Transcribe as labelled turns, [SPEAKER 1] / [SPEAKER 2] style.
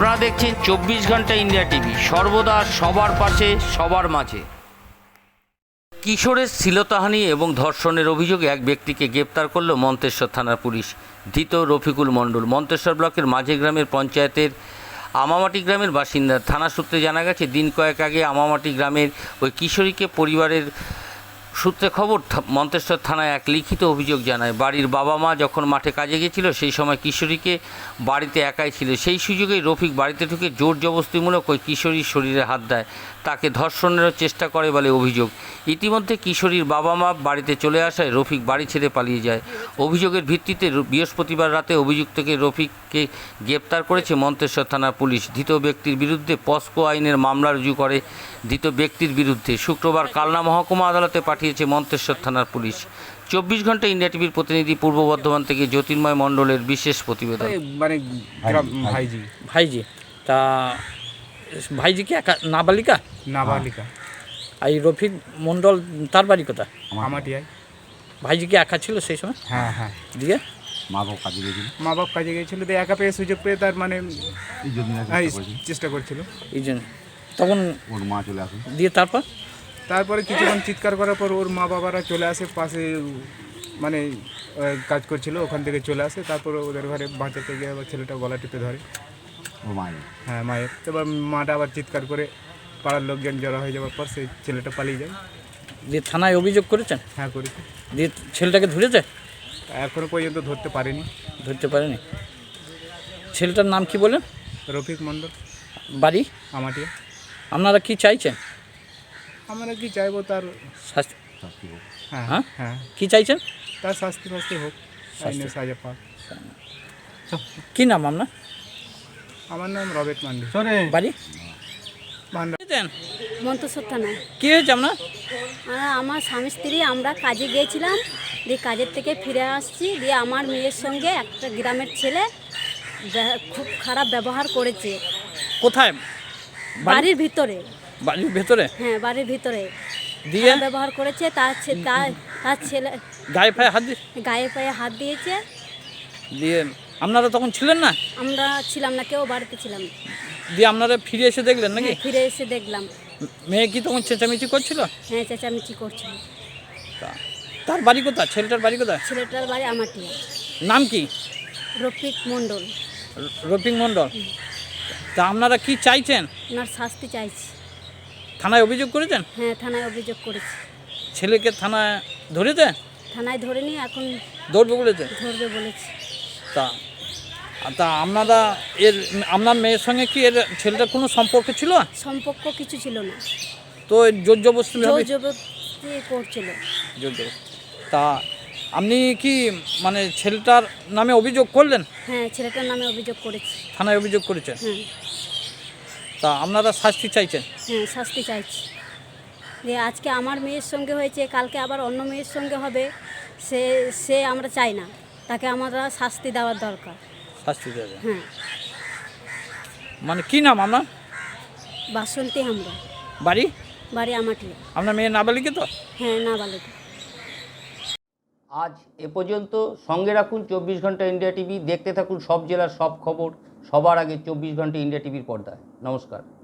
[SPEAKER 1] আপনারা দেখছেন 24 ঘন্টা ইন্ডিয়া টিভি, সর্বদা সবার পাশে সবার মাঝে। কিশোরের শ্লীলতাহানি এবং ধর্ষণের অভিযোগে এক ব্যক্তিকে গ্রেপ্তার করল মন্তেশ্বর থানার পুলিশ। ধৃত রফিকুল মণ্ডল মন্তেশ্বর ব্লকের মাঝে গ্রামের পঞ্চায়েতের আমামাটি গ্রামের বাসিন্দা। থানা সূত্রে জানা গেছে, দিন কয়েক আগে আমামাটি গ্রামের ওই কিশোরীকে পরিবারের সূত্রে খবর মন্তেশ্বর থানায় এক লিখিত অভিযোগ জানায়। বাড়ির বাবা মা যখন মাঠে কাজে গিয়েছিল সেই সময় কিশোরীকে বাড়িতে একাই ছিল। সেই সুযোগেই রফিক বাড়িতে ঢুকে জোর জবরদস্তিমূলক ওই কিশোরীর শরীরে হাত দেয়, তাকে ধর্ষণেরও চেষ্টা করে বলে অভিযোগ। ইতিমধ্যে কিশোরীর বাবা মা বাড়িতে চলে আসায় রফিক বাড়ি ছেড়ে পালিয়ে যায়। অভিযোগের ভিত্তিতে বৃহস্পতিবার রাতে অভিযুক্তকে রফিককে গ্রেপ্তার করেছে মন্তেশ্বর থানার পুলিশ। ধৃত ব্যক্তির বিরুদ্ধে পস্কো আইনের মামলা রুজু করে ধৃত ব্যক্তির বিরুদ্ধে শুক্রবার কালনা মহকুমা আদালতে পাঠিয়েছে মন্তেশ্বর থানার পুলিশ। 24 ঘন্টা ইন্ডিয়া টিভির প্রতিনিধি পূর্ব বর্ধমান থেকে জ্যোতির্ময় মণ্ডলের বিশেষ প্রতিবেদন।
[SPEAKER 2] মানে ভাইজি তা ভাইজি কি একা নাবালিকা?
[SPEAKER 3] নাবালিকা।
[SPEAKER 2] এই রফিক মণ্ডল তার বাড়ি কোথা?
[SPEAKER 3] আমাটিয়ায়।
[SPEAKER 2] ভাইজি কি একা ছিল সেই সময়?
[SPEAKER 3] হ্যাঁ হ্যাঁ।
[SPEAKER 2] দিয়ে
[SPEAKER 3] মা বাপ কাজে গিয়েছিল, দিয়ে একা পেয়ে সুযোগ পেয়ে তার মানে চেষ্টা করছিল।
[SPEAKER 2] এই জন্য তখন
[SPEAKER 3] ওর মা চলে আসে,
[SPEAKER 2] দিয়ে
[SPEAKER 3] তারপরে কিছুক্ষণ চিৎকার করার পর ওর মা বাবারা চলে আসে, পাশে মানে কাজ করছিল, ওখান থেকে চলে আসে। তারপর ওদের ঘরে বাঁচাতে গিয়ে আবার ছেলেটা গলা টিপে ধরে ওর মায়ের। হ্যাঁ মায়ের। তারপর মাটা আবার চিৎকার করে পাড়ার লোকজন জড়ো হয়ে যাওয়ার পর সেই ছেলেটা পালিয়ে যায়।
[SPEAKER 2] দিয়ে থানায় অভিযোগ করেছেন?
[SPEAKER 3] হ্যাঁ করেছি।
[SPEAKER 2] দিয়ে ছেলেটাকে ধরেছে?
[SPEAKER 3] এখনো পর্যন্ত ধরতে পারেনি।
[SPEAKER 2] ছেলেটার নাম কি বলেন?
[SPEAKER 3] রফিক মণ্ডল।
[SPEAKER 2] বাড়ি
[SPEAKER 3] আমাটিয়া।
[SPEAKER 2] আপনারা কি চাইছেন?
[SPEAKER 3] আমরা কি চাইবো, তার
[SPEAKER 2] শাস্তি।
[SPEAKER 3] হ্যাঁ
[SPEAKER 2] হ্যাঁ
[SPEAKER 3] হ্যাঁ,
[SPEAKER 2] কি চাইছেন?
[SPEAKER 3] তার শাস্তি হোক, আইনের সাজা পাক।
[SPEAKER 2] কি নাম আপনার?
[SPEAKER 3] আমার নাম রবেট মান্ডি।
[SPEAKER 2] বাড়ি
[SPEAKER 4] মন্তেশ্বর থানায়।
[SPEAKER 2] কি হয়েছে আপনার?
[SPEAKER 4] আমার স্বামী স্ত্রী আমরা কাজে গিয়েছিলাম, দিয়ে কাজের থেকে ফিরে আসছি, দিয়ে আমার মেয়ের সঙ্গে একটা গ্রামের ছেলে খুব খারাপ ব্যবহার করেছে।
[SPEAKER 2] কোথায়?
[SPEAKER 4] বাড়ির ভিতরে।
[SPEAKER 2] বাড়ির ভেতরে?
[SPEAKER 4] হ্যাঁ বাড়ির ভিতরে
[SPEAKER 2] দিয়ে
[SPEAKER 4] ব্যবহার করেছে। তার ছেলে
[SPEAKER 2] গায়ে পায়ে হাত
[SPEAKER 4] গায়ে পায়ে হাত দিয়েছে।
[SPEAKER 2] দিয়ে আপনারা তখন ছিলেন না?
[SPEAKER 4] আমরা ছিলাম না, কেউ বাড়িতে ছিলাম না।
[SPEAKER 2] দিয়ে আপনারা ফিরে এসে দেখলেন নাকি?
[SPEAKER 4] হ্যাঁ, ফিরে এসে দেখলাম।
[SPEAKER 2] মেয়ে কি তখন চেঁচামেচি করছিল?
[SPEAKER 4] হ্যাঁ চেঁচামেচি করছিল।
[SPEAKER 2] তার বাড়ি কোথায়? ছেলেটার বাড়ি কোথায়?
[SPEAKER 4] ছেলেটার বাড়ি আমাটিয়া।
[SPEAKER 2] নাম কি?
[SPEAKER 4] রফিক মণ্ডল।
[SPEAKER 2] রফিক মণ্ডল। তা আপনারা কি চাইছেন?
[SPEAKER 4] ওনার শাস্তি চাইছি।
[SPEAKER 2] থানায় অভিযোগ করেছেন?
[SPEAKER 4] হ্যাঁ থানায় অভিযোগ করেছি।
[SPEAKER 2] ছেলেকে থানায় ধরেছে?
[SPEAKER 4] থানায় ধরে নিয়ে এখন
[SPEAKER 2] ধরবে বলেছে?
[SPEAKER 4] ধরবে বলেছে।
[SPEAKER 2] তা তা আপনার মেয়ের সঙ্গে কি এর ছেলেটার কোনো সম্পর্ক ছিল?
[SPEAKER 4] সম্পর্ক কিছু ছিল না,
[SPEAKER 2] তো জোর জবরদস্তি
[SPEAKER 4] জবরদস্তি করছিল।
[SPEAKER 2] জোর জবরদস্তি। তা আপনি কি মানে ছেলেটার নামে অভিযোগ করলেন?
[SPEAKER 4] হ্যাঁ ছেলেটার নামে অভিযোগ করেছি।
[SPEAKER 2] থানায় অভিযোগ করেছেন?
[SPEAKER 4] হ্যাঁ।
[SPEAKER 2] তা আপনারা শাস্তি চাইছেন?
[SPEAKER 4] হ্যাঁ শাস্তি চাইছি। যে আজকে আমার মেয়ের সঙ্গে হয়েছে, কালকে আবার অন্য মেয়ের সঙ্গে হবে, সে আমরা চাই না, তাকে আমরা শাস্তি দেওয়ার দরকার।
[SPEAKER 2] শাস্তি দেবে?
[SPEAKER 4] হ্যাঁ।
[SPEAKER 2] মানে কি নাম আপনার?
[SPEAKER 4] বাসন্তী আমরা।
[SPEAKER 2] বাড়ি
[SPEAKER 4] আমাটিয়া।
[SPEAKER 2] আপনার মেয়ে নাবালিকা তো?
[SPEAKER 4] হ্যাঁ নাবালিকা।
[SPEAKER 1] আজ এ পর্যন্ত। সঙ্গে রাখুন 24 ঘন্টা ইন্ডিয়া টিভি। দেখতে থাকুন সব জেলার সব খবর সবার আগে 24 ঘন্টা ইন্ডিয়া টিভির পর্দায়। নমস্কার।